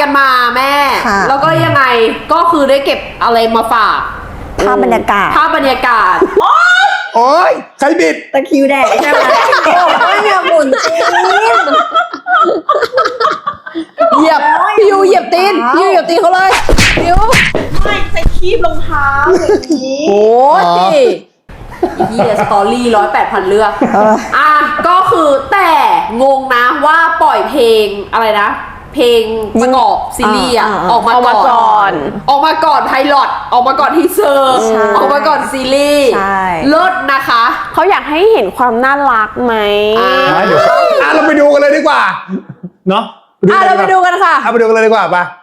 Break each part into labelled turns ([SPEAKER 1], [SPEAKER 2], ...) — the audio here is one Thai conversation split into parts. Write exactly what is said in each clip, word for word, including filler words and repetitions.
[SPEAKER 1] กันมาแม่แล้วก็ยังไงก็คือได้เก็บอะไรมาฝาก
[SPEAKER 2] ภาพบรรยากาศ
[SPEAKER 1] ภาพบรรยากาศ
[SPEAKER 3] โอ้ยใครบิด
[SPEAKER 2] ตะคิวแดกใช่ไหมโอ้ยอย่าหมุนตีน
[SPEAKER 1] เหยียบพี่ยูเหยียบตีนพี่ยูเหยียบตีนเขาเลยพี่ยู
[SPEAKER 4] ไม่ใส่คีบรองเท้าอย่างนี้
[SPEAKER 1] โอ้ยอีพีสตอรี่ร้อยแปดพันเรื่องอ่ะก็คือแต่งงนะว่าปล่อยเพลงอะไรนะเพลงประกอบซีรีส์อ่ะออกมาก่อนออกมาก่อนไพลอตออกมาก่อนทีเซอร์ออกมาก่อนซีรีส์เลิศนะคะ
[SPEAKER 4] เขาอยากให้เห็นความน่ารักไหม
[SPEAKER 3] เดี๋ยวอ่ะเราไปดูกันเลยดีกว่าเนาะ
[SPEAKER 1] อ่ะเราไปดูกันค่ะ
[SPEAKER 3] เอาไปดูกันเลยดีกว่าป่ะ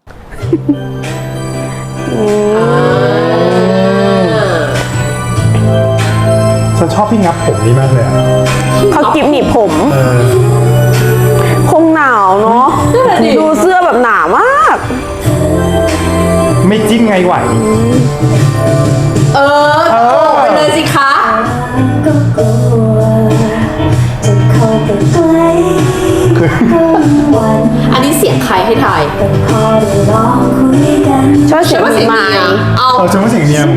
[SPEAKER 3] ฉันชอบพี่งับผมนี่มากเลยอ่ะ
[SPEAKER 4] เขากิบหนีบผมคงหนาวเนาะดูเสื้อแบบหนามาก
[SPEAKER 3] ไม่จิ้มไงไหว
[SPEAKER 1] เออเออไปเลยสิคะอันนี้เสียงใครให้ถ่าย
[SPEAKER 4] ชอบเสียง
[SPEAKER 1] เสียงมา
[SPEAKER 3] เอาเอาฉันว่าเสียงเนียม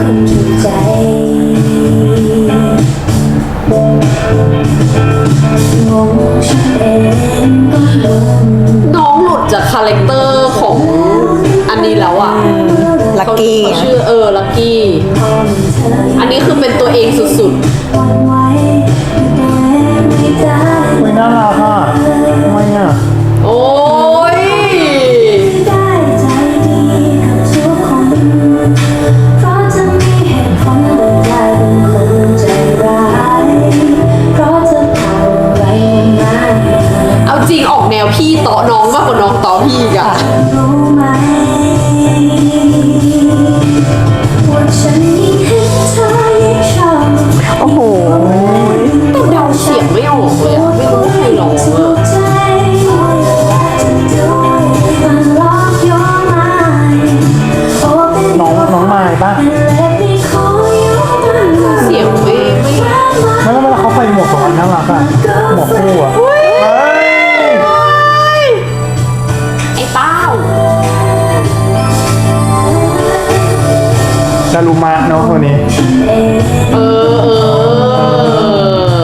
[SPEAKER 1] น้องหลุดจากคาแรคเตอร์ของอันนี้แล้วอ่ะ
[SPEAKER 2] ลักกี้
[SPEAKER 1] ชื่อเออลักกี้อันนี้คือเป็นตัวเองสุดๆ
[SPEAKER 3] ไม่น่ารักอ่ะทำไมอ่ะ
[SPEAKER 1] โอ้ยเอาจริงออกแนวพี่ต่อน้องมากกว่าน้องต่อพี่อีกอะ
[SPEAKER 4] โอ้โห
[SPEAKER 1] แต่เดาเสียงไม่ออกเลยอะไม่รู้ใครร้องอะ
[SPEAKER 3] น้องน้องไม้ป่ะ
[SPEAKER 1] เสียงไม่ไม่
[SPEAKER 3] ไม่แล้วเวลาเขาใส่หมวกของมันน่ารักอ่ะหมวกคู่อ่ะ
[SPEAKER 1] ไอ้เป้า
[SPEAKER 3] ดารุมะเนาะคนนี้
[SPEAKER 1] เออเออ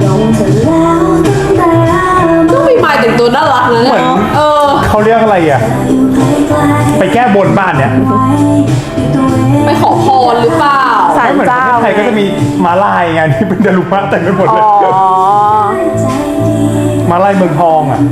[SPEAKER 1] ต้องมีไม้แต่งตัวน่ารักนะเนี่ยเออ
[SPEAKER 3] เขาเรียกอะไรอ่ะไปแก้บนบ้านเนี่ย
[SPEAKER 1] ไปขอพรหรือเปล่า
[SPEAKER 4] ศาลเจ้า
[SPEAKER 3] ไทยก็จะมีม้าลายไงที่เป็นดารุมะแต่งไปหมดเลยม้าลายเมืองทองอ่ะ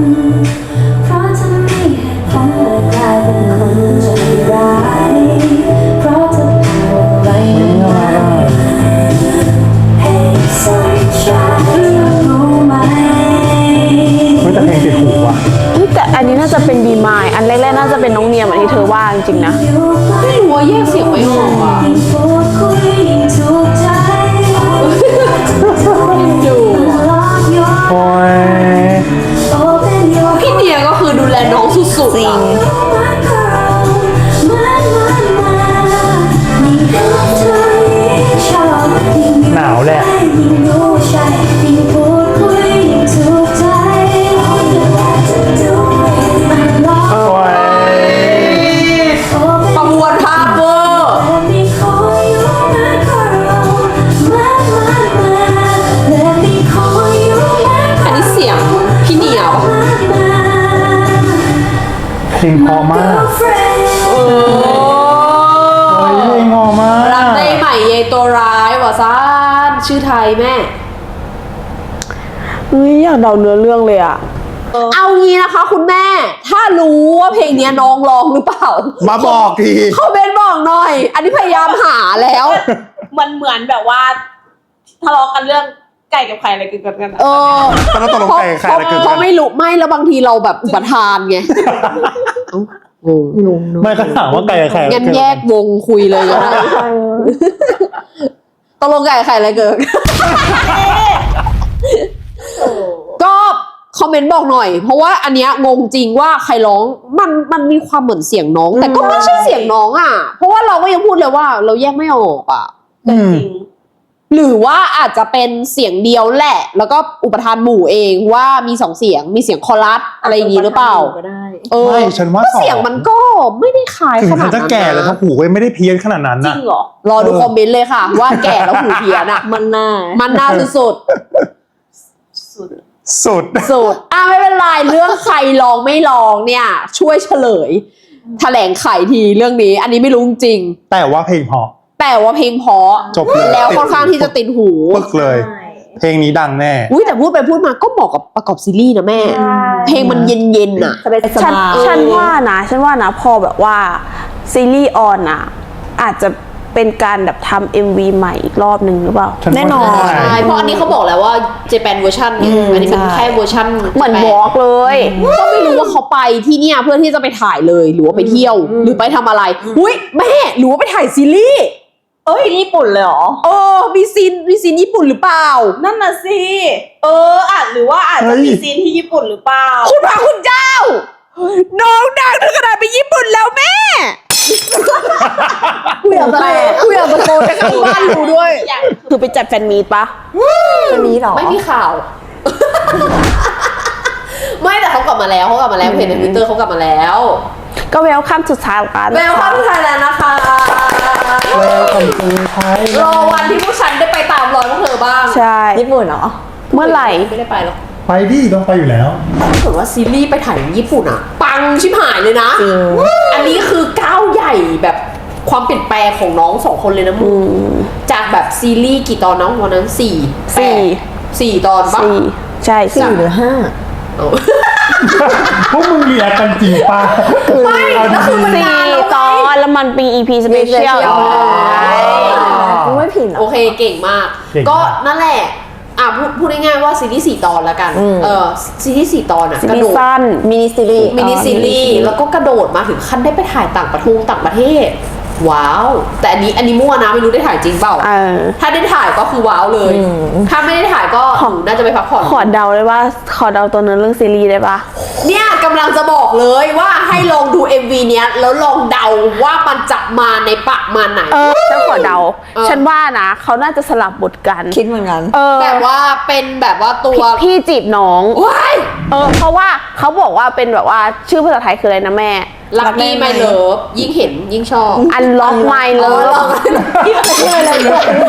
[SPEAKER 3] แต่เพลงติดหูอ่ะ
[SPEAKER 4] แต่อันนี้น่าจะเป็นบีมายอันแรกๆน่าจะเป็นน้องเนียมอันที่เธอว่าจริงๆนะ
[SPEAKER 1] ไม่รู้ว่าแยกเสียงไม่ออกอ่ะดู
[SPEAKER 3] โอ้ย
[SPEAKER 1] พี่เนียก็คือดูแลน้องสุดๆจริง
[SPEAKER 3] หนาวแหละ
[SPEAKER 1] ประมวลภาพเวอร์อันนี้เสียงพี่เนียป่ะ
[SPEAKER 3] เพลงพอมาก
[SPEAKER 1] เอ
[SPEAKER 3] อเพลงพอมาก
[SPEAKER 1] รักได้ใหม่เยตัวร้ายว่ะซ่านชื่อไทยแม่
[SPEAKER 4] เฮ้ยอยากเดาเนื้อเรื่องเลยอะ
[SPEAKER 1] เอางี้นะคะคุณแม่ถ้ารู้ว่าเพลงนี้น้องร้องหรือเปล่า
[SPEAKER 3] มาบอกที
[SPEAKER 1] คอมเมนต์บอกหน่อยอันนี้พยายามหาแล้ว
[SPEAKER 4] มันเหมือนแบบว่าทะเลาะกันเรื่องไก่กับไข่อะไรกันกัน
[SPEAKER 1] เออ
[SPEAKER 3] ตอนนั้นตกลงไก่ไข่อะไรกัน
[SPEAKER 1] เพราะไม่รู้ไม่แล้วบางทีเราแบบอุปทานไง
[SPEAKER 3] งงไม่ก็ถามว่าไก่กับไข่
[SPEAKER 1] งั้นแยกวงคุยเลยก็ได้ตกลงไก่กับไข่อะไรเกิดก็คอมเมนต์บอกหน่อยเพราะว่าอันเนี้ยงงจริงว่าใครร้องมันมันมีความเหมือนเสียงน้องแต่ก็ไม่ใช่เสียงน้องอ่ะเพราะว่าเราก็ยังพูดเลยว่าเราแยกไม่ออกอ่ะ
[SPEAKER 4] จริง
[SPEAKER 1] หรือว่าอาจจะเป็นเสียงเดียวแหละแล้วก็อุปทานหมู่เองว่ามีสองเสียงมีเสียงคอรัสอะไรอย่างนี้หรือเปล่า
[SPEAKER 4] ก็ได้
[SPEAKER 1] เออ
[SPEAKER 3] ไม่ฉันว่า
[SPEAKER 1] ก็เสียงมันก็ไม่ได้คล้าย
[SPEAKER 3] ถึง
[SPEAKER 1] ข
[SPEAKER 3] ฉั
[SPEAKER 1] นาด
[SPEAKER 3] นจะ
[SPEAKER 1] นั้น
[SPEAKER 3] แก่แล้ว
[SPEAKER 1] นะ
[SPEAKER 3] ถ้าหูก็ไม่ได้เพี้ยนขนาดนั้น
[SPEAKER 1] จริ
[SPEAKER 3] นะ
[SPEAKER 1] งเหรอ รอดูคอมเมนต์เลยค่ะ ว่าแก่แล้วหูเพี้ยนอ่ะ
[SPEAKER 2] มันน่า
[SPEAKER 1] มันน่าสุด
[SPEAKER 3] สุด
[SPEAKER 1] ๆสุดอ่ะไม่เป็นไรเรื่องใครลองไม่ลองเนี่ย ช่วยเฉลย แถลงไขทีเรื่องนี้ อันนี้ไม่รู้จริง
[SPEAKER 3] แต่ว่าเพลงเพราะ
[SPEAKER 1] แต่ว่าเพลงเพราะ
[SPEAKER 3] จบเลย
[SPEAKER 1] แล้วค่อนข้างที่จะติดหู
[SPEAKER 3] ปึกเลย เพลงนี้ดังแน่
[SPEAKER 1] อุ้ยแต่พูดไปพูดมาก็เหมาะกับประกอบซีรีส์นะแม่ เพลงมันเย็นๆน่ะ
[SPEAKER 2] สบายส
[SPEAKER 4] ฉัน
[SPEAKER 2] บาย
[SPEAKER 4] ฉันว่านะฉันว่านะพอแบบว่าซีรีส์ออนอ่ะอาจจะเป็นการแบบทำเอ็มวีใหม่อีกรอบหนึ่งหรือเปล่า
[SPEAKER 3] ฉัว่า
[SPEAKER 2] แน่นอน
[SPEAKER 3] ใช่
[SPEAKER 1] ใช่เพราะอันนี้เขาบอกแล้วว่าเจแปนเวอร์ชันไงอันนี้เป็น
[SPEAKER 2] ใช่
[SPEAKER 1] แค่เวอร์ชัน
[SPEAKER 4] เหมือนวอล์กเลย
[SPEAKER 1] ก็ไม่รู้ว่าเขาไปที่เนี่ยเพื่อที่จะไปถ่ายเลยหรือว่าไปเที่ยว หรือไปทำอะไรอุ้ยแม่หรือว่าไปถ่ายซีรีส์
[SPEAKER 2] เอ้ยญี่ปุ่นเลยเหรอ
[SPEAKER 1] เออมีซีนมีซีนญี่ปุ่นหรือเปล่า
[SPEAKER 5] นั่นน่ะสิ เอออาจหรือว่าอาจจะมีซีนที่ญี่ปุ่นหรือเปล่า
[SPEAKER 1] คุณพระคุณเจ้า น้องดังถึงขนาดไปญี่ปุ่นแล้วแม่กูอยากตะโกนกูอยากตะโกนให้ข้างบ้านรู้ด้วย
[SPEAKER 4] คือไปจัดแฟนมีตปะ
[SPEAKER 2] จะมีเหรอ
[SPEAKER 1] ไม่มีข่าว ไม่แต่เขากลับมาแล้วเขากลับมาแล้วเห็นในทวิตเตอร์เขากลับมาแล้ว
[SPEAKER 4] ก็เวลคัมสุดท้ายกัน
[SPEAKER 1] เวลคัมไทยแลนด์นะคะ
[SPEAKER 3] แล้วคำสุดท้าย
[SPEAKER 1] รอวันที่พวกฉันได้ไปตามรอยพวกเธอบ้าง
[SPEAKER 4] ใช่
[SPEAKER 2] ญี่ปุ่นเหรอ
[SPEAKER 4] เมื่อไหร่
[SPEAKER 1] ไม่ได้ไปหรอก
[SPEAKER 3] ไปดิต้องไปอยู่แล้ว
[SPEAKER 1] ถ้าเกิดว่าซีรีส์ไปถ่ายญี่ปุ่นอะปังชิบหายเลยนะ
[SPEAKER 2] จริง
[SPEAKER 1] อันนี้คือก้าวใหญ่แบบความเปลี่ยนแปลงของน้องสองคนเลยนะมึงจากแบบซีรีส์กี่ตอนน้องวันนั้นสี่แป
[SPEAKER 4] สี่
[SPEAKER 1] ดสี่ตอนปะ
[SPEAKER 4] สี่ใช่
[SPEAKER 2] สี่
[SPEAKER 4] สี่
[SPEAKER 2] หรือห้า
[SPEAKER 1] เอา
[SPEAKER 3] พวกมึงเรียกกันจริงป่ะ
[SPEAKER 1] ไม่
[SPEAKER 3] เอา
[SPEAKER 1] แล้วคือ
[SPEAKER 3] ดี
[SPEAKER 1] มัน
[SPEAKER 4] สี่
[SPEAKER 1] นานแล้ว
[SPEAKER 4] ตอนแล้วมันเป็น อี พี สเปเชียล
[SPEAKER 2] กูไม่ผิดหรอ
[SPEAKER 1] โอเคเก่งมาก
[SPEAKER 3] เก่งมาก
[SPEAKER 1] ก็นั่นแหละอ่ะพูดพูดง่ายๆว่าซีรีส์สี่ตอนแล้วกัน
[SPEAKER 2] อืม
[SPEAKER 1] เออซีรีส์สี่ตอนอะ
[SPEAKER 4] ซี
[SPEAKER 1] กระ
[SPEAKER 4] รี
[SPEAKER 1] โด
[SPEAKER 4] ส์
[SPEAKER 1] ด
[SPEAKER 4] สั้น
[SPEAKER 2] มินิซีรีส์
[SPEAKER 1] มินิซีรีส์แล้วก็กระโดดมาถึงขั้นได้ไปถ่ายต่างประเทศต่างประเทศ ว้าว แต่อันนี้อันนี้มั่วนะไม่รู้ได้ถ่ายจริงเปล่า
[SPEAKER 4] เออ
[SPEAKER 1] ถ้าได้ถ่ายก็คือว้าวเลย ถ้าไม่ได้ถ่ายก็หนูน่าจะไปพักผ่อน
[SPEAKER 4] ขอเดาเลยว่า ขอเดาตัวเนื้อเรื่องซีรีส์ได้ปะ
[SPEAKER 1] เนี่ยกำลังจะบอกเลยว่าให้ลองดู เอ็ม วี เนี้ยแล้วลองเดาว่ามันจะมาในปะมาไหน
[SPEAKER 4] เออฉันขอเดา
[SPEAKER 1] เออ
[SPEAKER 4] ฉันว่านะเขาน่าจะสลับบทกัน
[SPEAKER 2] คิดเหมือนกัน
[SPEAKER 4] เออ
[SPEAKER 1] แต่ว่าเป็นแบบว่าตัว
[SPEAKER 4] พี่จีบน้อง
[SPEAKER 1] ว้าย
[SPEAKER 4] เออ เพราะว่าเขาบอกว่าเป็นแบบว่าชื่อภาษาไทยคืออะไรนะแม่
[SPEAKER 1] ลักกี้ไม่เลิฟยิ่งเห็นยิ่งชอบ
[SPEAKER 4] Unlock My
[SPEAKER 1] เออ
[SPEAKER 4] Love
[SPEAKER 1] ลอง
[SPEAKER 2] ที่ไปเลย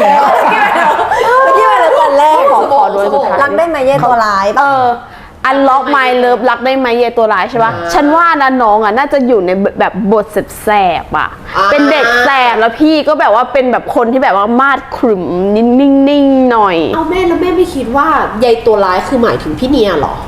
[SPEAKER 2] ที่ไปเลยตอนแรก
[SPEAKER 4] ขอขอด้วยสุดท้าย
[SPEAKER 2] รักได้ไหมเย่ตัวร้าย
[SPEAKER 4] เอ
[SPEAKER 2] ปะ
[SPEAKER 4] อ Unlock My Love รักได้ไหมเยตัวร้ายใช่ปะ
[SPEAKER 1] อ่า
[SPEAKER 4] ฉันว่านะน้องอ่ะน่าจะอยู่ในแบบบทแสบๆอ่ะ
[SPEAKER 1] อ่า
[SPEAKER 4] เป็นเด็กแสบแล้วพี่ก็แบบว่าเป็นแบบคนที่แบบว่ามาดขรึมนิ่งๆหน่อย
[SPEAKER 1] เอาแม่แล้วแม่ไม่คิดว่ายายตัวร้ายคือหมายถึงพี่เนียเหรอ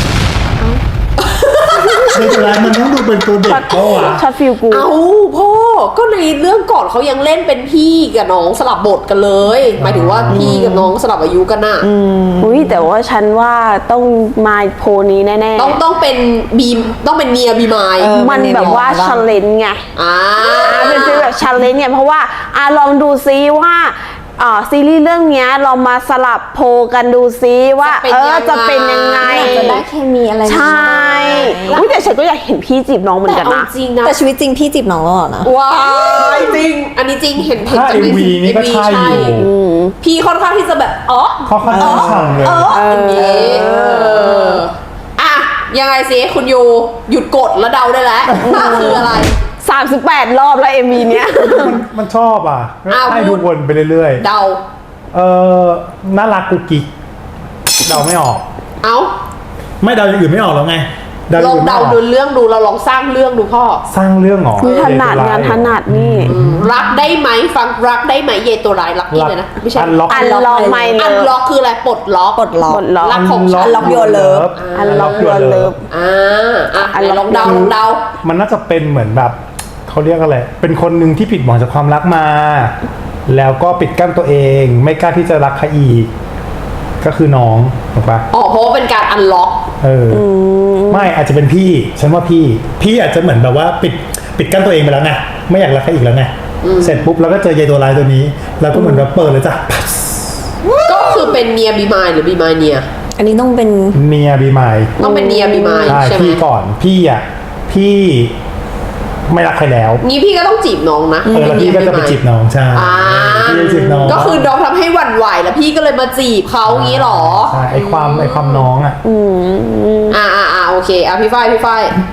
[SPEAKER 3] ไม่เป็นไรมันต้องดูเป็นตัวเด็กเพราะว่า
[SPEAKER 4] ช็อตฟิลกู
[SPEAKER 1] เอาพ่อก็ในเรื่องก่อนเขายังเล่นเป็นพี่กับน้องสลับบทกันเลย หมายถึงว่าพี่กับน้องสลับอายุกันน่ะ
[SPEAKER 4] อุ้ยแต่ว่าฉันว่าต้องมาโพลนี้แน่ๆ
[SPEAKER 1] ต้องต้องเป็นบีมต้องเป็นเนียบีมาย
[SPEAKER 2] เออ
[SPEAKER 4] มันแบบว่าชาเลนจ์ไง
[SPEAKER 1] อ่า
[SPEAKER 4] อ่าเป็นฟีลแบบชาเลนจ์เนี่ยเพราะว่าอ่าลองดูซิว่าอ่าซีรีส์เรื่องเนี้ยเรามาสลับโพลกันดูซิว่าเออจะเป็นยังไง
[SPEAKER 2] จะได้เคมีอะไร
[SPEAKER 4] ใช่อุ๊ยแต่ฉันก็อยากเห็นพี่จีบน้องเหมือน
[SPEAKER 1] แต่
[SPEAKER 4] กัน
[SPEAKER 1] เอา
[SPEAKER 4] นะ
[SPEAKER 1] จริงนะ
[SPEAKER 2] แต่ชีวิตจริงพี่จีบน้องแล้วเหรอนะ
[SPEAKER 1] ว้ายจริง อันนี้จริงเห็นเห็น
[SPEAKER 3] ถ้า
[SPEAKER 1] จาก
[SPEAKER 3] เอ็
[SPEAKER 1] ใน
[SPEAKER 3] มวีนี่ก็
[SPEAKER 1] เอ็มวี
[SPEAKER 3] ใช่อยู่
[SPEAKER 1] พี่ค่อนข้างที่จะแบบอ๋อ
[SPEAKER 3] เขาค่อนข้างฉ่ำเลย
[SPEAKER 1] อย่างนี้อ่ะยังไงสิคุณยูหยุดกดแล้วเดาได้แล้วว่าคืออะไร
[SPEAKER 4] สามสิบแปดรอบแล้วเอ็มวีเนี้ย
[SPEAKER 3] มันมันชอบอ่ะ
[SPEAKER 1] อ้าว
[SPEAKER 3] ให้ดูวนไปเรื่อย
[SPEAKER 1] เดา
[SPEAKER 3] ๆ เออน่ารักกุ๊กกิ๊กเดาไม่ออก
[SPEAKER 1] เอ้า
[SPEAKER 3] ไม่เดาอย่างอื่นไม่ออกแล้วไงเดาอ
[SPEAKER 1] ล
[SPEAKER 3] ย่า
[SPEAKER 1] อง
[SPEAKER 3] อื่นไม่
[SPEAKER 1] เดา
[SPEAKER 3] ออก
[SPEAKER 1] ดูเรื่องดูเราลองสร้างเรื่องดูพ่อ
[SPEAKER 3] สร้างเรื่องเหรอ
[SPEAKER 4] มีถนัดงานถนัดนี่
[SPEAKER 1] รักได้ไหมฟังรักได้ไหมเยตัวร้ายรักนี่เลยนะไม่ใช่
[SPEAKER 3] อันล็อก
[SPEAKER 4] อันลองไม่เล
[SPEAKER 1] อัน
[SPEAKER 4] ย
[SPEAKER 1] ล็อกคืออะไรปลดล็อก
[SPEAKER 2] ปลดล็อก
[SPEAKER 4] ปลดล็อก
[SPEAKER 1] รักของฉัน
[SPEAKER 2] Unlock Your Love
[SPEAKER 4] Unlock Your Love
[SPEAKER 1] อ่าอ่ะ
[SPEAKER 4] อัน
[SPEAKER 1] ไหน
[SPEAKER 4] ล็
[SPEAKER 1] ล
[SPEAKER 4] อก
[SPEAKER 1] องเดาลองเดา
[SPEAKER 3] มันน่าจะเป็นเหมือนแบบเขาเรียกอะไร เป็นคนหนึ่งที่ผิดหวังจากความรักมา แล้วก็ปิดกั้นตัวเอง ไม่กล้าที่จะรักใครอีก ก็คือน้องถูกปะ
[SPEAKER 1] อ๋อเพราะว่าเป็นการอันล็อก
[SPEAKER 3] เอออไม่อาจจะเป็นพี่ ฉันว่าพี่ พี่อาจจะเหมือนแบบว่าปิดปิดกั้นตัวเองไปแล้วไงไม่อยากรักใครอีกแล้วไงเสร็จปุ๊บแล้วก็เจอยายตัวร้ายตัวนี้ แล้วก็เหมือนแบบเปิดเลยจ้ะ
[SPEAKER 1] ก็คือเป็นเนียบีมายหรือบีมายเนีย
[SPEAKER 2] อันนี้ต้องเป็น
[SPEAKER 3] เนียบีมาย
[SPEAKER 1] ต้องเป็นเนียบีมาย
[SPEAKER 3] ใช่
[SPEAKER 1] ใช่ไหม
[SPEAKER 3] พี่ก่อนพี่อ่ะพี่ไม่รักใครแล้ว
[SPEAKER 1] งี้พี่ก็ต้องจีบน้องนะ
[SPEAKER 3] เออแล้วพี่ก็จะไปจีบน้องใช่
[SPEAKER 1] อ่า
[SPEAKER 3] พี่จะจีบน้อง
[SPEAKER 1] ก็คือน้องทำให้หวั่นไหวแล้วพี่ก็เลยมาจีบเขางี้หรอ
[SPEAKER 3] ใช่ไอความไอความน้องอ่ะ
[SPEAKER 1] อ่าอ่าอ่าโอเคอ่ะพี่ฝ้ายพี่ฝ้าย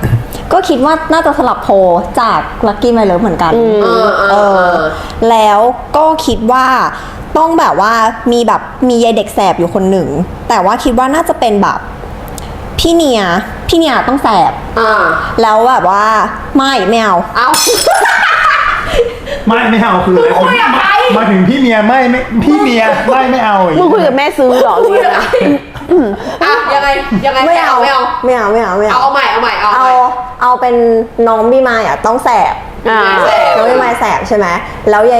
[SPEAKER 2] ก็คิดว่าน่าจะสลับโพลจากลักกี้ไมเลิฟเหมือนกัน
[SPEAKER 1] เออเอ
[SPEAKER 2] เอ
[SPEAKER 1] อ
[SPEAKER 2] อ แล้วก็คิดว่าต้องแบบว่ามีแบบมียายเด็กแสบอยู่คนหนึ่ง แต่ว่าคิดว่าน่าจะเป็นแบบพี่เนียพี่เนียต้องแสบ
[SPEAKER 1] อ่า
[SPEAKER 2] แล้วแบบว่าไม่ไม่เอา
[SPEAKER 1] เอา
[SPEAKER 3] ไม่ไม่เอาคืออะไร
[SPEAKER 1] คุยกับใคร
[SPEAKER 3] มาถึงพี่เมียไม่ไม่พี่เมียไม่ไม่เอาอย่าง
[SPEAKER 4] มึง
[SPEAKER 3] งี้
[SPEAKER 4] คุยกับแม่ซื้อเหรอ
[SPEAKER 1] คุยกับใครอ่ะยังไงยังไง
[SPEAKER 2] ไม่เอา
[SPEAKER 1] ไม่เอา
[SPEAKER 2] ไม่เอาไม่เอาไม่
[SPEAKER 1] เอา
[SPEAKER 2] เอา
[SPEAKER 1] เอาใหม่เอาใหม่เอา
[SPEAKER 2] เอา
[SPEAKER 1] ใหม่
[SPEAKER 2] เอาเป็นน้องพี่มายอ่ะต้องแสบ
[SPEAKER 4] อ่า
[SPEAKER 1] แสบ
[SPEAKER 2] น้องพี่มายแสบใช่ไหมแล้วยาย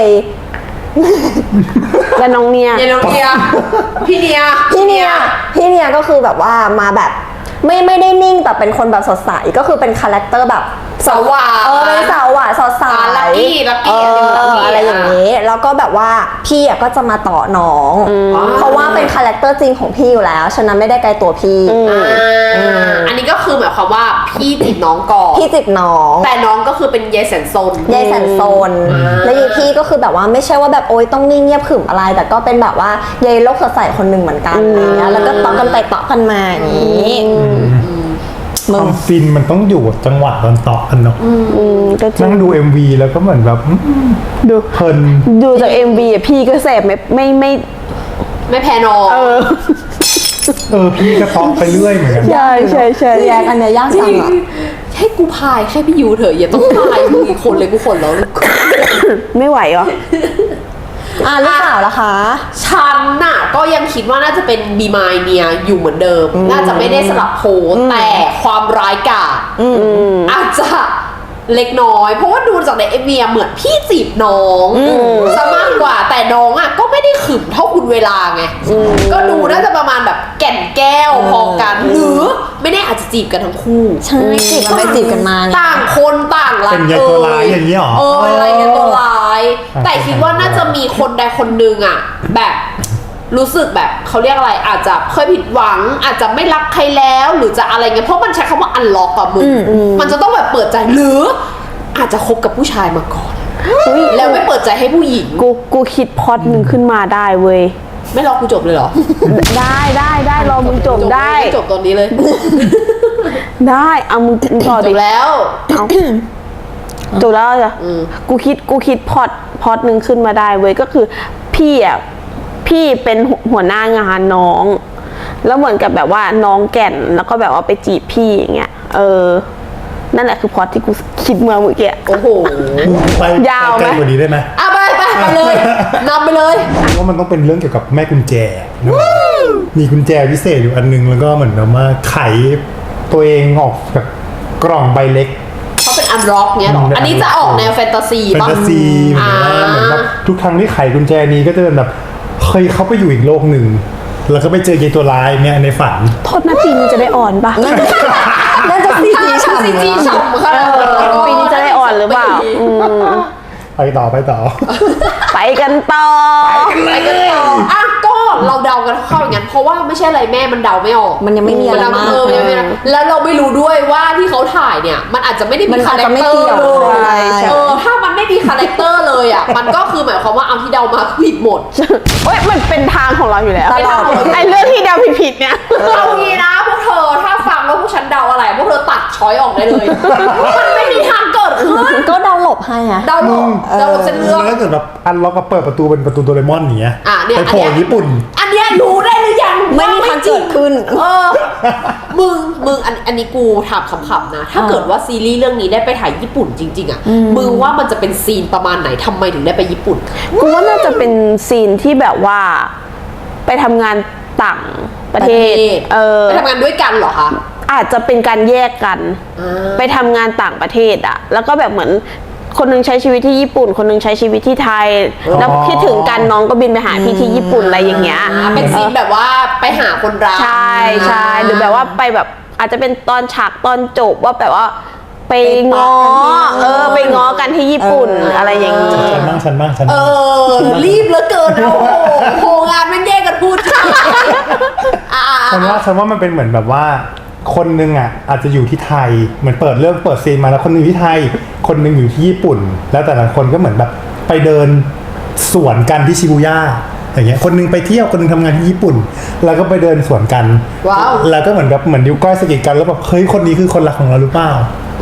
[SPEAKER 4] แล้วน้องเนี่ย
[SPEAKER 1] เยนโนเนียพี่เนีย
[SPEAKER 2] พี่เนียพี่เนียก็คือแบบว่ามาแบบไม่ไม่ได้นิ่งแต่เป็นคนแบบสดใสก็คือเป็นคาแรคเตอร์แบบ
[SPEAKER 1] สาวหวาน
[SPEAKER 2] เออเป็นสาวหวานสดใส
[SPEAKER 1] อ่า Lucky Lucky
[SPEAKER 2] เอ
[SPEAKER 1] อันนี้
[SPEAKER 2] อ
[SPEAKER 1] Lucky
[SPEAKER 2] อะไรอย่างนี้แล้วก็แบบว่าพี่อ่ะก็จะมาต่อน้อง เพราะว่าเป็นคาแรคเตอร์จริงของพี่อยู่แล้วฉะนั้นไม่ได้ไกลตัวพี่
[SPEAKER 1] อ่าอันนี้ก็คือหมายความว่าพี่จีบน้องก่อน
[SPEAKER 2] พี่จิบน้อง
[SPEAKER 1] แต่น้องก็คือเป็นยายแสนซน
[SPEAKER 2] ยายแสนโซน
[SPEAKER 1] อ่า
[SPEAKER 2] แล้วยายพี่ก็คือแบบว่าไม่ใช่ว่าแบบโอ๊ยต้องนิ่งเงียบขรึมอะไร แต่ก็เป็นแบบว่ายายโลกสดใสคนหนึ่งเหมือนกันอะไรเงี้ยแล้วก็ต่อกันไปต่อกันมาอย่างนี้
[SPEAKER 3] ค
[SPEAKER 2] มึ
[SPEAKER 3] วาง มฟินมันต้องอยู่กับจังหวะตอนต่อกันเนาะ
[SPEAKER 4] อืมก็จริ
[SPEAKER 3] นั่
[SPEAKER 4] ง
[SPEAKER 3] งดู เอ็ม วี แล้วก็เหมือนแบบอืม
[SPEAKER 4] ดู
[SPEAKER 3] เพลิน
[SPEAKER 4] ดูจาก เอ็ม วี อ่ะพี่ก็แสบไม่ไม่ไม่
[SPEAKER 1] ไม่แพ้น้อง
[SPEAKER 4] เออ
[SPEAKER 3] เออพี่ก็ต่อไปเรื่อยเหมือนกัน
[SPEAKER 4] ใช่ใช่ใช่
[SPEAKER 2] แยกอันเนี้ยยาก
[SPEAKER 1] จ
[SPEAKER 2] จั
[SPEAKER 1] ริ
[SPEAKER 2] ง
[SPEAKER 1] ง
[SPEAKER 2] อ่ะ
[SPEAKER 1] ให้กูพายแค่พี่ยูเถอะอย่าต้องพายมึงอีกคนเลยกูขนแล้ว
[SPEAKER 4] ไม่ไหวเหรอ
[SPEAKER 2] อ่ะลูกสาวล่ะคะ
[SPEAKER 1] ฉันน่ะก็ยังคิดว่าน่าจะเป็นบีมายเนียอยู่เหมือนเดิม น่าจะไม่ได้สลับโพลแต่ความร้ายกาจอาจจะเล็กน้อย เพราะว่าดูจากในเอ็มวีเหมือนพี่จีบน้องซะมากกว่าแต่น้องอ่ะก็ไม่ได้ขึมเท่าคุณเวลาไงก็ดูน่าจะประมาณแบบแก่นแก้วพอกัน หรือไม่แน่อาจจะจีบกันทั้งคู่
[SPEAKER 2] ใช่จีบกันไปจีบกันมาไง
[SPEAKER 1] ต่างคนต่างรัก
[SPEAKER 3] เป็นยายตัวร้ายอย่างนี้หรอ
[SPEAKER 1] เออเป็นอะไรกันตัวร้าย
[SPEAKER 3] อ่า
[SPEAKER 1] แต่คิดว่าน่าจะมีคนใดคนหนึ่งอ่ะ แบบรู้สึกแบบเขาเรียกอะไรอาจจะเคยผิดหวัง อาจจะไม่รักใครแล้วหรือจะอะไรเงี้ยเพราะมันใช้คำว่าอันล็อกอะมึงมันจะต้องแบบเปิดใจหรืออาจจะคบกับผู้ชายมาก่อนแล้วไม่เปิดใจให้ผู้หญิง
[SPEAKER 4] กูกูคิดพล็อตหนึ่งขึ้นมาได้เว้ย
[SPEAKER 1] ไม่รอกูจบเลยเหรอ
[SPEAKER 4] ได้ได้ได้รอมึงจบได้
[SPEAKER 1] จบตอนนี้เลย
[SPEAKER 4] ได้เอามึงมึงต่อ
[SPEAKER 1] จ
[SPEAKER 4] ดิ
[SPEAKER 1] บแล้ว
[SPEAKER 4] เอาจบแล้วจ้ะกูคิดกูคิดพล็อตพล็อตหนึ่งขึ้นมาได้เว้ยก็คือพี่อ่ะพี่เป็นหัวหัวหน้างานน้อง แล้วเหมือนกับแบบว่าน้องแก่นแล้วก็แบบว่าไปจีบพี่อย่างเงี้ยเออนั่นแหละคือพล็อตที่กูคิดมาเมื่อกี้
[SPEAKER 1] โอ้โห
[SPEAKER 3] ไป
[SPEAKER 4] ยาวไหม
[SPEAKER 3] ไกลกว่านี้ได้ไหม
[SPEAKER 1] อ่ะไปไปไปเลยนำไปเลย
[SPEAKER 3] ว่ามันต้องเป็นเรื่องเกี่ยวกับแม่กุญแจนะมีกุญแจพิเศษอยู่อันนึงแล้วก็เหมือนแบบว่าไขตัวเองออกจากกล่องใบเล็ก
[SPEAKER 1] เขาเป็นอันล็อกเนี้ยหรอ
[SPEAKER 3] อืม
[SPEAKER 1] อันนี้จะออกแนวแฟนตาซี
[SPEAKER 3] แฟน
[SPEAKER 1] ป่ะ
[SPEAKER 3] ตาซีเหมือน
[SPEAKER 1] อ่า
[SPEAKER 3] ว่าเหมือนแบบทุกครั้งที่ไขกุญแจนี้ก็จะเป็นแบบเคยเข้าไปอยู่อีกโลกหนึ่งแล้วก็ไปเจอยายตัวร้ายเนี่ยในฝัน
[SPEAKER 4] โทษนะปีนี้จะได้อ่อนปะ
[SPEAKER 2] น่าจะซีจี
[SPEAKER 1] ถ้า
[SPEAKER 2] ฉ่ำ
[SPEAKER 1] ซีจี
[SPEAKER 2] นะ
[SPEAKER 1] ฉ่ำค่ะ
[SPEAKER 4] ปีนี้จะได้อ่อนหรือเปล่าอืม
[SPEAKER 3] ไปต่อไปต่อ
[SPEAKER 4] ไปกันต่อ
[SPEAKER 1] ไปกันต่ออ่ะก็เราเดากันเข้าอย่างนั้นเพราะว่าไม่ใช่อะไรแม่มันเดาไม่ออก
[SPEAKER 2] มันยังไม่มีอะไร
[SPEAKER 1] นเด
[SPEAKER 2] มาก
[SPEAKER 1] เออยังไม่มีอะไรแล้วเราไม่รู้ด้วยว่าที่เขาถ่ายเนี่ยมันอาจจะไม่ได้
[SPEAKER 2] มั
[SPEAKER 1] มี
[SPEAKER 2] น
[SPEAKER 1] คา
[SPEAKER 2] อาจ
[SPEAKER 1] แร
[SPEAKER 2] จะ
[SPEAKER 1] ค
[SPEAKER 2] ไม่
[SPEAKER 1] เตอ
[SPEAKER 2] เกี่
[SPEAKER 1] ร์
[SPEAKER 2] ยว
[SPEAKER 1] เลย
[SPEAKER 2] ใช่ใช่
[SPEAKER 1] เออถ้ามันไม่มีคาแรคเตอร์เลยอ่ะมันก็คือหมายความว่าเอาที่เดามาผิดหมด
[SPEAKER 4] เฮ้ยมันเป็นทางของเราอยู่แล้ว
[SPEAKER 2] ตลอด
[SPEAKER 4] ไอ้เรื่องที่เดาผิดๆเนี่ย
[SPEAKER 1] เอางี้นะพวกเธอถ้าฟังแล้วพวกฉันเดาอะไรพวกเธอตัดช้อยออกได้เลย มันไม่มีทางเกิดขึ้น
[SPEAKER 2] ก็เดาหลบให้อ่ะ
[SPEAKER 1] เดาหลบเดาหลบเส้นเรื่อง
[SPEAKER 3] แล้วถ้าเกิดแบบอันล็อกก็เปิดประตูเป็นประตูโดเรมอนอย่างเงี้ย
[SPEAKER 1] อ่ะเนี่ย
[SPEAKER 3] ไปโผล่
[SPEAKER 1] อันเนี้ย
[SPEAKER 3] ญี่ปุ่น
[SPEAKER 1] อันเนี้ยรู้ได้หรือยัง
[SPEAKER 2] ไม่มี
[SPEAKER 1] ว่
[SPEAKER 2] ทางเกิดขึ้น
[SPEAKER 1] เออ มึง มึง อันอันนี้กูถามขำๆนะ ถ้าเกิดว่าซีรีส์เรื่องนี้ได้ไปถ่ายญี่ปุ่นจริง ๆ อ่ะ มึงว่ามันจะเป็นซีนประมาณไหนทำไมถึงได้ไปญี่ปุ่น
[SPEAKER 4] กูว่าน่าจะเป็นซีนที่แบบว่า ไปทำงานต่างประเทศ เออ
[SPEAKER 1] ไปทำงานด้วยกันเหรอคะ
[SPEAKER 4] อาจจะเป็นการแยกกัน
[SPEAKER 1] อ่า
[SPEAKER 4] ไปทำงานต่างประเทศอะแล้วก็แบบเหมือนคนหนึงใช้ชีวิตที่ญี่ปุ่น คนหนึงใช้ชีวิตที่ไทย แล้วคิดถึงกันน้องก็บินไปหาพี่ที่ญี่ปุ่นอะไรอย่างเงี้ย
[SPEAKER 1] อ่าเป็นซีนแบบว่าไปหาคนรัก
[SPEAKER 4] ใช่ใช่หรือแบบว่าไปแบบอาจจะเป็นตอนฉากตอนจบว่าแบบว่าไปง้อ เออ ไปง้อกันที่ญี่ปุ่นอะไรอย่างงี้
[SPEAKER 3] ฉันบ้างฉันบ้างฉัน
[SPEAKER 1] เอ
[SPEAKER 3] บ้าง
[SPEAKER 1] อ รีบเหลือเกินนะโอ้โหโหงานมันแยกกันพูดอ่า
[SPEAKER 3] ฉันว่าฉันว่ามันเป็นเหมือนแบบว่า คนนึงอ่ะอาจจะอยู่ที่ไทยเหมือนเปิดเรื่องเปิดซีนมาแล้วคนนึงอยู่ที่ไทย คนนึงอยู่ที่ญี่ปุ่น แล้วแต่ละคนก็เหมือนแบบไปเดินสวนกันที่ชิบูย่าอย่างเงี้ยคนนึงไปเที่ยวคนนึงทำงานที่ญี่ปุ่น แล้วก็ไปเดินสวนกัน
[SPEAKER 1] ว้าว
[SPEAKER 3] แล้วก็เหมือนแบบเหมือนนิ้วก้อยสะกิดกันแล้วแบบเฮ้ยคนนี้คือคนรักของเราหรือเปล่า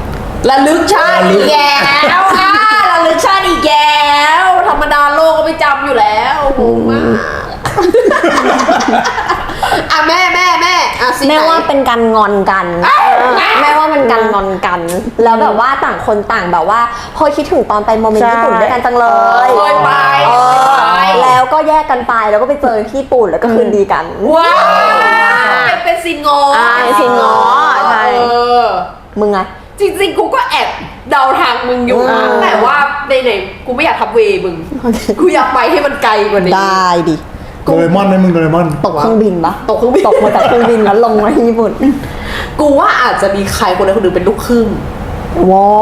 [SPEAKER 1] ระลึกชาติอีกแล้วอ่ะระลึกชาติอีกแล้วธรรมดาโลกก็ไม่จำอยู่แล้วงงมากอ่ะแม่แม่แม่อ่ะสิ
[SPEAKER 2] แม่
[SPEAKER 1] ไหน
[SPEAKER 2] ว่าเป็นการงอนกันแม่ว่าเป็นการงอนกัน แล้วแบบว่าต่างคนต่างแบบว่าพอคิดถึงตอนไปโมเมนต์ญี่ปุ่นด้วยกันจังเลย
[SPEAKER 1] เคยไป
[SPEAKER 2] เออ
[SPEAKER 1] เคยไป
[SPEAKER 2] แล้วก็แยกกันไปแล้วก็ไปเจอที่ญี่ปุ่นแล้วก็คืนดีกัน
[SPEAKER 1] ว้าวเป็นซินงอ
[SPEAKER 4] อ่าซินง้อใช่
[SPEAKER 1] เออ
[SPEAKER 2] มึงไง
[SPEAKER 1] จริงๆ กูก็แอบเดาทางมึงอยู่นะ
[SPEAKER 2] อ่า
[SPEAKER 1] แต่ว่าในไหนๆกูไม่อยากทับเวย์มึง กูอยากไปให้มันไกลกว่านี้
[SPEAKER 2] ได้ดิ
[SPEAKER 3] โดเรมอนไหมมึงโดเรมอน
[SPEAKER 2] ตกเครื่องบินปะ
[SPEAKER 1] ตกเครื่องบิน
[SPEAKER 2] ตกมาจากเครื่องบินแล้วลงมาที่ญี่ปุ่น
[SPEAKER 1] กูว่าอาจจะมีใครคนใดคนหนึ่งเป็นลูกครึ่ง
[SPEAKER 2] ว้าว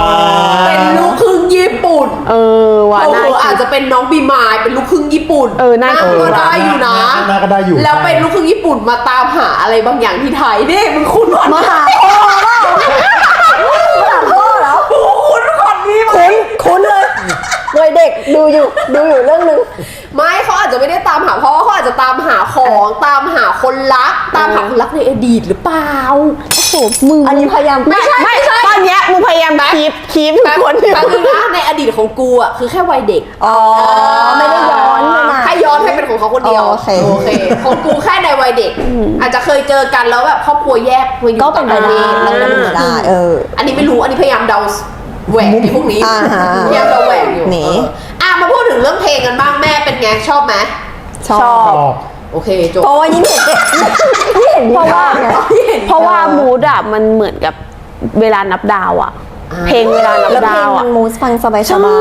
[SPEAKER 1] เป็นลูกครึ่งญี่ปุ่น
[SPEAKER 4] เออว่ะ
[SPEAKER 1] เอ
[SPEAKER 4] น่า
[SPEAKER 1] อ
[SPEAKER 4] คิ
[SPEAKER 1] อา
[SPEAKER 4] ด
[SPEAKER 1] จจะเป็นน้องบีมายเป็นลูกครึ่งญี่ปุ่น
[SPEAKER 4] เออน่าคิด
[SPEAKER 1] ก็ได้อยู่นะ
[SPEAKER 3] น่าก็ได้อยู่
[SPEAKER 1] แล้วเป็นลูกครึ่งญี่ปุ่นมาตามหาอะไรบางอย่างที่ไทยนี่มึงคุ้นวัน
[SPEAKER 2] มาหาพ่อเปล่ามาหาพ่อเหรอ
[SPEAKER 1] โอ้คุ้นวันนี้ไหม
[SPEAKER 2] คุ้นคุ้นเลยวัยเด็กดูอยู่ดูอยู่เรื่องนึง
[SPEAKER 1] ไม่เขาอาจจะไม่ได้ตามหาพ่อเขาอาจจะตามหาของตามหาคนรัก ตามหาคนรักในอดีตหรือเปล่า
[SPEAKER 4] โอ้โหมึง
[SPEAKER 2] อันนี้พยายาม
[SPEAKER 1] ไม่ใช่
[SPEAKER 4] ไม่ตอนเนี้ยมึงพยายามคีปคีปทุก
[SPEAKER 1] แป๊บ
[SPEAKER 4] คนอยู่
[SPEAKER 1] แป๊บนึงนะในอดีตของกูอ่ะคือแค่วัยเด็ก
[SPEAKER 2] อ๋อไม่ได้ย้อนเลยนะ
[SPEAKER 1] ให้ย้อนให้เป็นของเขาคนเดียว
[SPEAKER 2] โอเค
[SPEAKER 1] โอเคของกูแค่ในวัยเด็ก อาจจะเคยเจอกันแล้วแบบครอบครัวแยกมาอยู่
[SPEAKER 2] ก็เป็นไปได้
[SPEAKER 1] ต่างประเทศ
[SPEAKER 2] ก็เป็นไปได้เออ
[SPEAKER 1] อันนี้ไม่รู้อันนี้พยายามเดาแหวกไอ้พวกนี้
[SPEAKER 2] อ่าฮะ
[SPEAKER 1] พยายามเดาแหวกอยู่
[SPEAKER 2] หนี
[SPEAKER 1] เอออ่ะมาพูดถึงเรื่องเพลงกันบ้างแม่เป็นไงชอบไหม
[SPEAKER 2] ชอ
[SPEAKER 4] ชอ
[SPEAKER 2] บบ
[SPEAKER 3] ชอบ
[SPEAKER 1] โอเคจบ
[SPEAKER 2] เพราะว่ายิ่งเห็นยิ่งเห็น
[SPEAKER 4] เพราะว่า
[SPEAKER 2] ไง
[SPEAKER 4] เพราะว่ามูดอะมันเหมือนกับเวลานับดาวอะเพลงเวลานับ
[SPEAKER 2] แล้วเพล
[SPEAKER 4] ดาง ว
[SPEAKER 2] มั
[SPEAKER 4] อะ
[SPEAKER 2] นมูสฟังสบายส
[SPEAKER 4] ใช่
[SPEAKER 2] บาย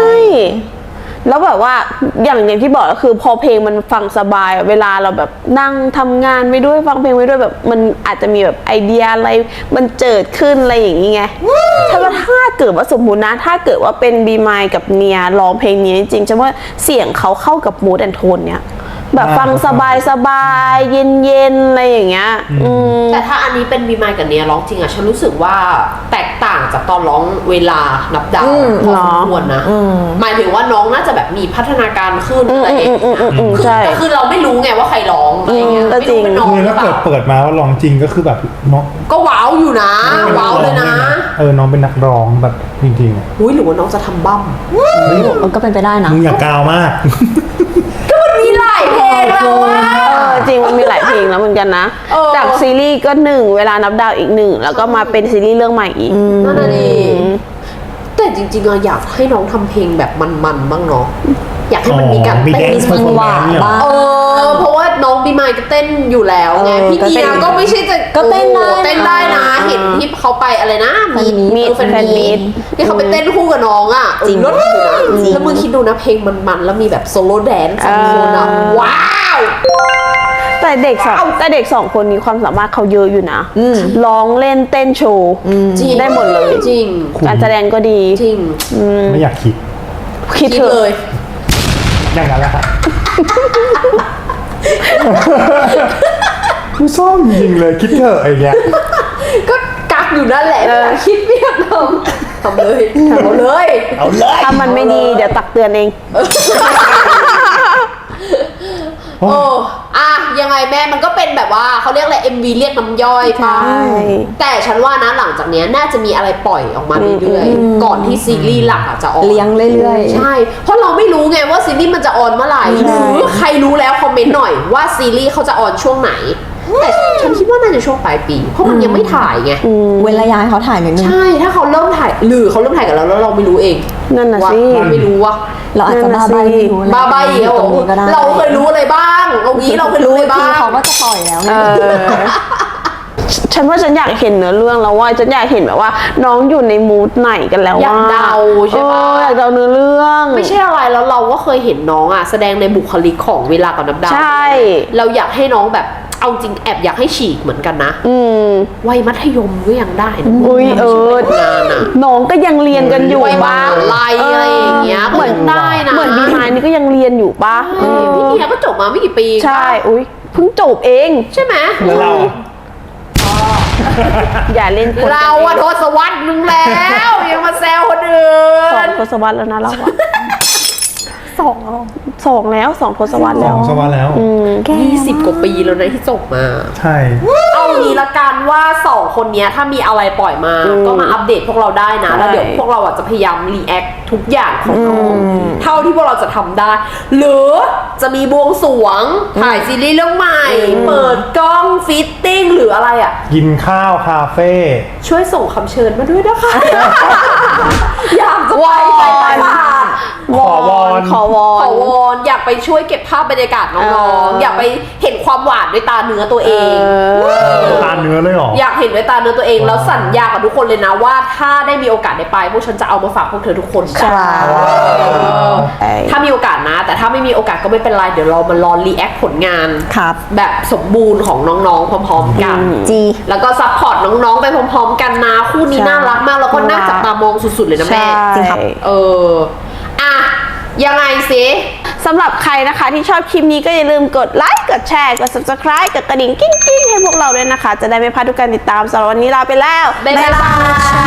[SPEAKER 4] แล้วแบบว่าอย่างอย่างที่บอกก็คือพอเพลงมันฟังสบายอะเวลาเราแบบนั่งทำงานไปด้วยฟังเพลงไปด้วยแบบมันอาจจะมีแบบไอเดียอะไรมันเจิดขึ้นอะไรอย่างงี้ไงถ้าว่าถ้าเกิดว่าสมมุตินะถ้าเกิดว่าเป็นบีมายกับเนียร้องเพลงนี้จริงๆฉันว่าเสียงเขาเข้ากับมูดแอนโทนเนี้ยแบบฟังสบายสบายเย็นเย็นๆอะไรอย่างเงี้ยอืม
[SPEAKER 1] แต่ถ้าอันนี้เป็นบีมายกับเนียร้องจริงอะฉันรู้สึกว่าแตกต่างจากตอนร้องเวลานับดาวพอสมควรนะหมายถึงว่าน้องน่าจะแบบมีพัฒนาการขึ้นอะไรอย่างเงี้ย
[SPEAKER 4] อืมอืมอืมอืม
[SPEAKER 1] คือ
[SPEAKER 4] ใช่
[SPEAKER 1] แต่คือเราไม่รู้ไงว่าใครร้องอะไรเงี้ย
[SPEAKER 4] อืมก็
[SPEAKER 1] ไม่
[SPEAKER 4] จริ
[SPEAKER 1] รู้
[SPEAKER 4] ง
[SPEAKER 1] เป็นน้อง
[SPEAKER 3] คือ
[SPEAKER 1] หรื
[SPEAKER 3] ถ้า
[SPEAKER 1] อเป
[SPEAKER 3] เกิด
[SPEAKER 1] ล่า
[SPEAKER 3] เปิดมาว่าร้องจริงก็คือแบบน้อง
[SPEAKER 1] ก็ว้าวอยู่นะว้าวเลยนะ
[SPEAKER 3] เออน้องเป็นนักร้องแบบจริงๆอะ
[SPEAKER 1] อุ้ยหรือว่าน้องจะทำบั้ม
[SPEAKER 2] มันก็เป็นไปได้นะ
[SPEAKER 3] มึงอย่ากาวมาก
[SPEAKER 1] ก็มันมีหลายเพลงแล้วอะ
[SPEAKER 4] เออจริงมันมีหลายเพลงแล้วเหมือนกันนะ
[SPEAKER 1] เออ
[SPEAKER 4] จากซีรีส์ก็หนึ่งเวลานับดาวอีกหนึ่งแล้วก็มาเป็นซีรีส์เรื่องใหม่อีก
[SPEAKER 1] นั่นน่ะดิแต่จริงๆอะอยากให้น้องทำเพลงแบบมันๆบ้างเนาะอยากให้มันมีการ
[SPEAKER 3] มี
[SPEAKER 1] เต้น
[SPEAKER 3] dance
[SPEAKER 2] จังหวะ
[SPEAKER 3] performance เนี่ย
[SPEAKER 2] บ้าง
[SPEAKER 1] เออเพราะว่าน้องบีมายก็เต้นอยู่แล้วไง
[SPEAKER 2] เออ
[SPEAKER 1] พี่
[SPEAKER 2] ก็เต้
[SPEAKER 1] เนี
[SPEAKER 2] น
[SPEAKER 1] ยก็ไม่ใช่จะ
[SPEAKER 2] ก็เต้นได้
[SPEAKER 1] โอ้โหเต้นได้นะ
[SPEAKER 2] นะ
[SPEAKER 1] เห็นที่เขาไปอะไรนะ
[SPEAKER 2] แฟนมีต
[SPEAKER 1] มี
[SPEAKER 4] มี
[SPEAKER 1] แฟน
[SPEAKER 4] แฟนมี
[SPEAKER 1] มี
[SPEAKER 4] ต
[SPEAKER 1] ตที่เขาไปเต้นคู่กับน้องอ่ะ
[SPEAKER 2] จริง
[SPEAKER 1] รถอยู่นะ
[SPEAKER 2] จริง
[SPEAKER 1] แล้วมึงคิดดูนะเพลงมันๆแล้วมีแบบโซโล่แดนซ์สองคนอ่ะ
[SPEAKER 4] เออ
[SPEAKER 1] ว้าว
[SPEAKER 4] แต่เด็กสองแต่เด็กสองคนนี้ความสามารถเขาเยอะอยู่นะร้องเล่นเต้นโชว์
[SPEAKER 1] จริง
[SPEAKER 4] ได้หมดเลย
[SPEAKER 1] จริง
[SPEAKER 4] การแสดงก็ดี
[SPEAKER 1] จริง
[SPEAKER 3] ไม่อยากคิด
[SPEAKER 4] คิด
[SPEAKER 1] คิด
[SPEAKER 4] เถ
[SPEAKER 1] เล
[SPEAKER 4] อะ
[SPEAKER 1] ย
[SPEAKER 3] อย่างนั้นแหละครับกูซ่อมจริงเลยคิดเถอะไอ้เนี้ย
[SPEAKER 1] ก็กักอยู่นั่นแหละคิดไม่อยากทำทำเลยทำเลย
[SPEAKER 3] เอาเลย
[SPEAKER 4] ถ้ามันไม่ดีเดี๋ยวตักเตือนเอง
[SPEAKER 1] โอ้อะยังไงแม่มันก็เป็นแบบว่าเขาเรียกอะไร เอ็ม วี เรียกน้ำย่อยป่ะ
[SPEAKER 4] ใช่
[SPEAKER 1] แต่ฉันว่านะหลังจากเนี้ยน่าจะมีอะไรปล่อยออกมาเรื่อยๆ ก่อนที่ซีรีส์หลักอะจะออน
[SPEAKER 2] เลี้ยงเรื่อยๆ
[SPEAKER 1] ใช่ เพราะเราไม่รู้ไงว่าซีรีส์มันจะออนเมื่อไหร่หรือใครรู้แล้วคอมเมนต์หน่อยว่าซีรีส์เขาจะออนช่วงไหน แต่ฉันคิดว่าน่าจะช่วงปลายปี เพราะมันยังไม่ถ่ายไง
[SPEAKER 2] เว้นระยะให้เขาถ่ายนิดนึง
[SPEAKER 1] ใช่ ถ้าเขาเริ่มถ่ายหรือเขาเริ่มถ่ายกันแล้วแล้วเราไม่รู้เอง
[SPEAKER 4] นั่นน่ะ
[SPEAKER 1] ว่า
[SPEAKER 4] สิ
[SPEAKER 1] เราไม่รู้ว่า
[SPEAKER 2] เราอาจจะบ้าใบไม่รู้นะ
[SPEAKER 1] บ้าใบอีกแล้ว
[SPEAKER 2] ตรงนี้ก็ได้
[SPEAKER 1] เราเคยรู้อะไรบ้างตรงนี้เราเคยรู้
[SPEAKER 2] รู้
[SPEAKER 1] อะไร
[SPEAKER 2] อีกที
[SPEAKER 1] บ้าง
[SPEAKER 2] เขาก็จะปล่อยแล้วไง
[SPEAKER 4] เออฉันว่าฉันอยากเห็นเนื้อเรื่องแล้วว่าฉันอยากเห็นแบบว่า น้องอยู่ในมูดไหนกันแล้ว
[SPEAKER 1] อยาก
[SPEAKER 4] ว่า
[SPEAKER 1] เดาใช่ปะ
[SPEAKER 4] เอออยากเดาเนื้อเรื่อง
[SPEAKER 1] ไม่ใช่อะไรแล้วเราก็เคยเห็นน้องอ่ะแสดงในบุคลิกของเวลากับน้ำดาว
[SPEAKER 4] ใช่
[SPEAKER 1] เราอยากให้น้องแบบเอาจริงแอบอยากให้ฉีกเหมือนกันนะ
[SPEAKER 4] อืม
[SPEAKER 1] วัยมัธยมก็ยังได้นะ
[SPEAKER 4] อุ้ยเออ
[SPEAKER 1] ไม่ใช่วัยทำงานอ่ะ
[SPEAKER 4] น้องก็ยังเรียนกันอยู่
[SPEAKER 1] วัยม
[SPEAKER 4] บ้า
[SPEAKER 1] หาง ลัยอะไรอย่างเงี้ย
[SPEAKER 4] เหมือน
[SPEAKER 1] ก็ยังได้นะ
[SPEAKER 4] เหมือนบีมายนี่ก็ยังเรียนอยู่ปะ
[SPEAKER 1] เออพี่เนียก็จบมาไม่กี่ปี
[SPEAKER 4] ใช่อุ้ยเพิ่งจบเอง
[SPEAKER 1] ใช่ไหม
[SPEAKER 3] แล้วเรา
[SPEAKER 4] อย่าเล่นคน
[SPEAKER 1] เราอะทศวรรษนึงแล้วยังมาแซวคนอื่
[SPEAKER 4] สอง
[SPEAKER 1] น
[SPEAKER 4] ทศวรรษแล้วนะเราอะ
[SPEAKER 2] สองแล้ว
[SPEAKER 4] สองแล้วสองทศวรรษ
[SPEAKER 3] ส
[SPEAKER 4] แล้
[SPEAKER 3] อ
[SPEAKER 4] ว
[SPEAKER 3] งสวัสดิ์แล้ว
[SPEAKER 1] ยี่สิบกว่าปีแล้วนะที่จบมา
[SPEAKER 3] ใช่
[SPEAKER 1] เอางี้ละกันว่าสองคนเนี้ยถ้ามีอะไรปล่อยมา ก็มาอัปเดตพวกเราได้นะ แล้วเดี๋ยวพวกเราอ่ะจะพยายามรีแอคทุกอย่างของน้องเท่าที่พวกเราจะทำได้ หรือจะมีบวงสรวงถ่ายซีรีส์เรื่องใหม่ เปิดกล้องฟิตติ้งหรืออะไรอ่ะ
[SPEAKER 3] กินข้าวคาเฟ่
[SPEAKER 1] ช่วยส่งคำเชิญมาด้วยนะคะ อยากจะไปไปตลาด
[SPEAKER 3] ขอวอน
[SPEAKER 4] ขอวอ
[SPEAKER 1] ขอน วอนอยากไปช่วยเก็บภาพบรรยากาศน้อง
[SPEAKER 4] เออ
[SPEAKER 1] ๆ อยากไปเห็นความหวานด้วยตาเนื้อตัวเอง
[SPEAKER 3] ตาเนื้อเลยเหรอ
[SPEAKER 1] อยากเห็นด้วยตาเนื้อตัวเอง แล้วสัญญากับทุกคนเลยนะว่าถ้าได้มีโอกาสได้ไปพวกฉันจะเอามาฝากพวกเธอทุกคน
[SPEAKER 2] ใช่
[SPEAKER 1] ถ้ามีโอกาสนะ แต่ถ้าไม่มีโอกาสก็ไม่เป็นไรเดี๋ยวเรามารอรีแอคผลงาน
[SPEAKER 2] ครับ
[SPEAKER 1] แบบสมบูรณ์ของน้องๆพร้อมๆกัน
[SPEAKER 2] จี
[SPEAKER 1] แล้วก็ซัพพอร์ตน้องๆไปพร้อมๆกันนะคู่นี้
[SPEAKER 4] ใช่
[SPEAKER 1] น่ารักมากแล้วก็น่าจับตามองสุดๆเลยนะแม่
[SPEAKER 2] จริงครับ
[SPEAKER 1] เอออ่ะยังไงสิ
[SPEAKER 4] สำหรับใครนะคะที่ชอบคลิปนี้ก็อย่าลืมกดไลค์กดแชร์กด subscribe กดกระดิ่งกิ้งๆให้พวกเราด้วยนะคะ จะได้ไม่พลาดทุกการติดตามสำหรับวันนี้ลาไปแล้ว
[SPEAKER 1] บ๊ายบาย